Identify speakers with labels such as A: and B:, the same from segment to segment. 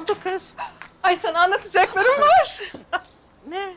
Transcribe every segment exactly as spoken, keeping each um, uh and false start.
A: oldu kız?
B: Ay sana anlatacaklarım var.
A: Ne?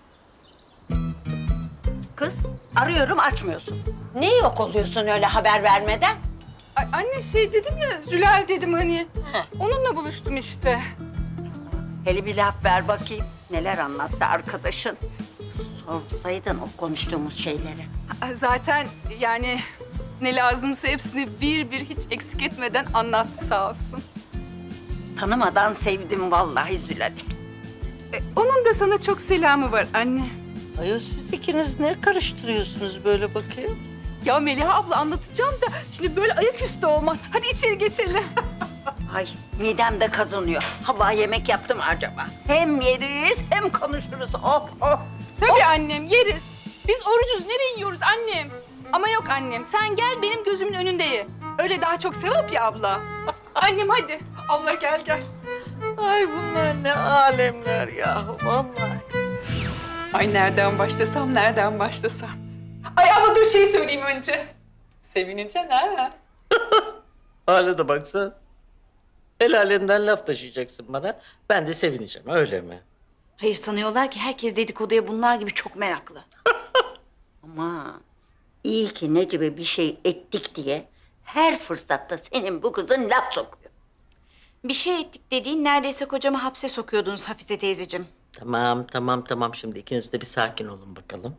C: Kız arıyorum açmıyorsun. Ne yok oluyorsun öyle haber vermeden?
B: Ay anne şey dedim ya, Zülal dedim hani.
C: Heh.
B: Onunla buluştum işte.
C: Hele bir laf ver bakayım. Neler anlattı arkadaşın? Sorsaydın o konuştuğumuz şeyleri.
B: Ay, Zaten yani ne lazımsa hepsini bir bir hiç eksik etmeden anlattı sağ olsun.
C: Tanımadan sevdim vallahi Zülal'i.
B: E, onun da sana çok selamı var anne.
A: Ayol siz ikiniz ne karıştırıyorsunuz böyle bakayım?
B: Ya Meliha abla anlatacağım da şimdi böyle ayaküstü olmaz. Hadi içeri geçelim.
C: Ay midem de kazanıyor. Hava yemek yaptım acaba. Hem yeriz hem konuşuruz. Oh oh.
B: Tabii annem yeriz. Biz orucuz, nereye yiyoruz annem? Ama yok annem, sen gel benim gözümün önünde ye. Öyle daha çok sevap ya abla. Annem hadi. Abla gel gel.
A: Ay bunlar ne alemler yahu vallahi.
B: Ay nereden başlasam, nereden başlasam? Ay abla dur şey söyleyeyim önce. Sevineceksin ha.
A: Hale de baksana. El alemden laf taşıyacaksın bana. Ben de sevineceğim öyle mi?
D: Hayır sanıyorlar ki herkes dedikoduya bunlar gibi çok meraklı.
C: Ama iyi ki Necip'e bir şey ettik diye her fırsatta senin bu kızın laf sokuyor.
D: Bir şey ettik dediğin neredeyse kocamı hapse sokuyordunuz Hafize teyzeciğim.
A: Tamam tamam tamam şimdi ikiniz de bir sakin olun bakalım.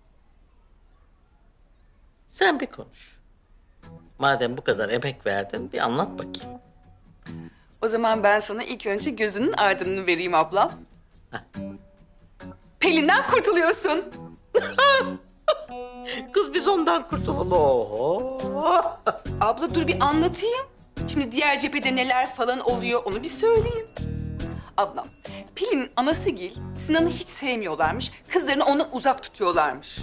A: Sen bir konuş. Madem bu kadar emek verdin bir anlat bakayım.
B: O zaman ben sana ilk önce gözünün ardını vereyim ablam. Pelin'den kurtuluyorsun.
A: Kız biz ondan kurtulalım. Oho.
B: Abla dur bir anlatayım. Şimdi diğer cephede neler falan oluyor onu bir söyleyeyim. Ablam, Pelin'in anasıgil Sinan'ı hiç sevmiyorlarmış. Kızlarını ona uzak tutuyorlarmış.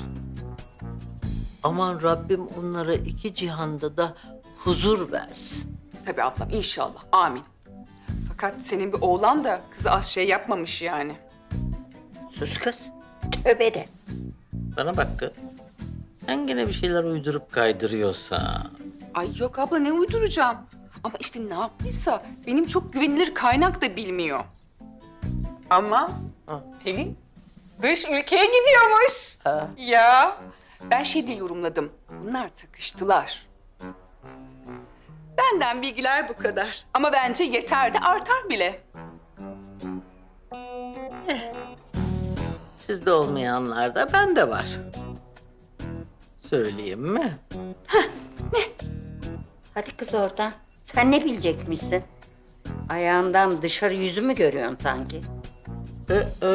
A: Aman Rabbim onlara iki cihanda da huzur versin.
B: Tabii ablam inşallah. Amin. Fakat senin bir oğlan da kızı az şey yapmamış yani.
C: Sus kız. Tövbe de.
A: Bana bak kız. Sen gene bir şeyler uydurup kaydırıyorsan.
B: Ay yok abla ne uyduracağım. Ama işte ne yaptıysa benim çok güvenilir kaynak da bilmiyor. Ama
A: Ha.
B: Pelin dış ülkeye gidiyormuş.
A: Ha.
B: Ya ben şey diye yorumladım. Bunlar takıştılar. Benden bilgiler bu kadar. Ama bence yeter de artar bile.
A: Sizde olmayanlar da bende var. Söyleyeyim mi?
C: Hadi kız oradan. Sen ne bilecekmişsin? Ayağından dışarı yüzü mü görüyorsun sanki?
A: Ee, e,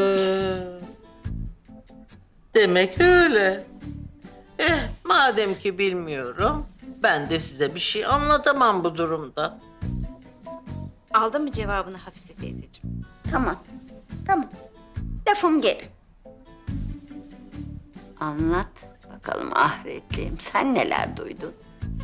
A: demek öyle. Eh madem ki bilmiyorum, ben de size bir şey anlatamam bu durumda.
D: Aldın mı cevabını Hafize teyzeciğim?
C: Tamam. Tamam. Lafım geri. Anlat bakalım ahiretliğim. Sen neler duydun?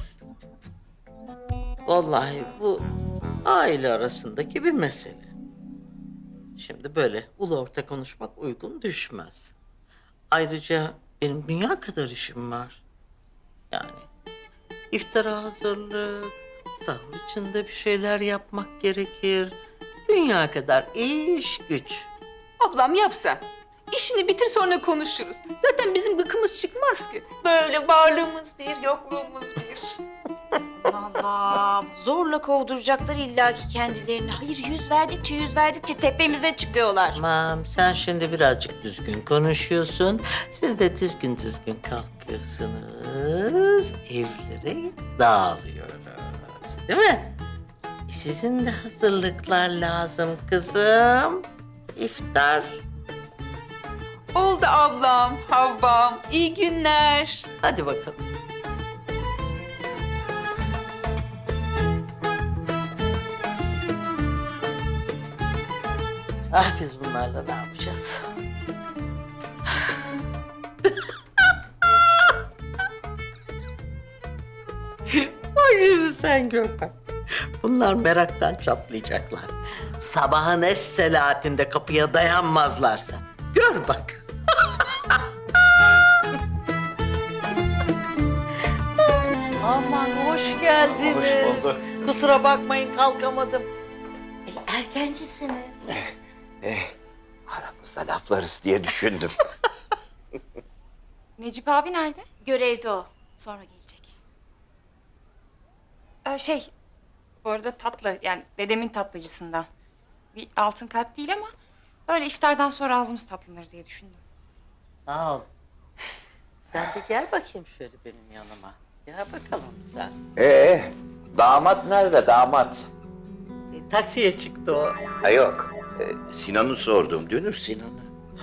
A: Vallahi bu aile arasındaki bir mesele. Şimdi böyle ulu orta konuşmak uygun düşmez. Ayrıca benim dünya kadar işim var. Yani iftara hazırlık, sahur içinde bir şeyler yapmak gerekir. Dünya kadar iş güç.
B: Ablam yap sen. İşini bitir sonra konuşuruz. Zaten bizim gıkımız çıkmaz ki. Böyle varlığımız bir, yokluğumuz bir.
D: Allah zorla kovduracaklar illaki kendilerini. Hayır yüz verdikçe yüz verdikçe tepemize çıkıyorlar.
A: Tamam sen şimdi birazcık düzgün konuşuyorsun. Siz de düzgün düzgün kalkıyorsunuz. Evlere dağılıyoruz. Değil mi? E, Sizin de hazırlıklar lazım kızım. İftar.
B: Oldu ablam, Havvam. İyi günler.
A: Hadi bakalım. Ah biz bunlarla ne yapacağız? Bak şimdi sen gör bak. Bunlar meraktan çatlayacaklar. Sabahın es saatinde kapıya dayanmazlarsa. Gör bak. Aman hoş geldiniz.
E: Hoş bulduk.
A: Kusura bakmayın kalkamadım. erkencisiniz.
E: Eh, aramızda laflarız diye düşündüm.
F: Necip abi nerede?
D: Görevde o. Sonra gelecek.
F: Ee, şey, bu arada tatlı, yani dedemin tatlıcısından. Bir altın kalp değil ama böyle iftardan sonra ağzımız tatlanır diye düşündüm.
A: Sağ ol. Sen bir gel bakayım şöyle benim yanıma. Gel bakalım sen.
E: Ee, damat nerede damat?
A: E, taksiye çıktı o.
E: Ha yok. Ee, Sinan'ı sordum. Dünür Sinan'ı.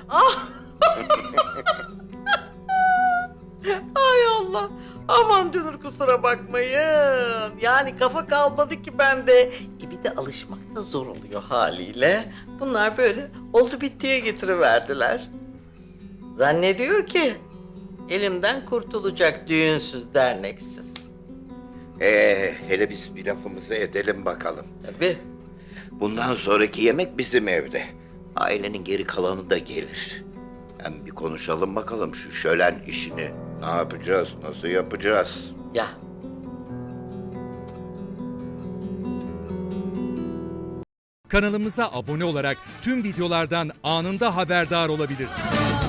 A: Ay Allah. Aman Dünür kusura bakmayın. Yani kafa kalmadı ki bende. E bir de alışmak da zor oluyor haliyle. Bunlar böyle oldu bittiye getiriverdiler. Zannediyor ki elimden kurtulacak düğünsüz derneksiz.
E: Ee, hele biz bir lafımızı edelim bakalım.
A: Tabii.
E: Bundan sonraki yemek bizim evde. Ailenin geri kalanı da gelir. Hem bir konuşalım bakalım şu şölen işini. Ne yapacağız, nasıl yapacağız?
A: Ya
G: Kanalımıza abone olarak tüm videolardan anında haberdar olabilirsiniz.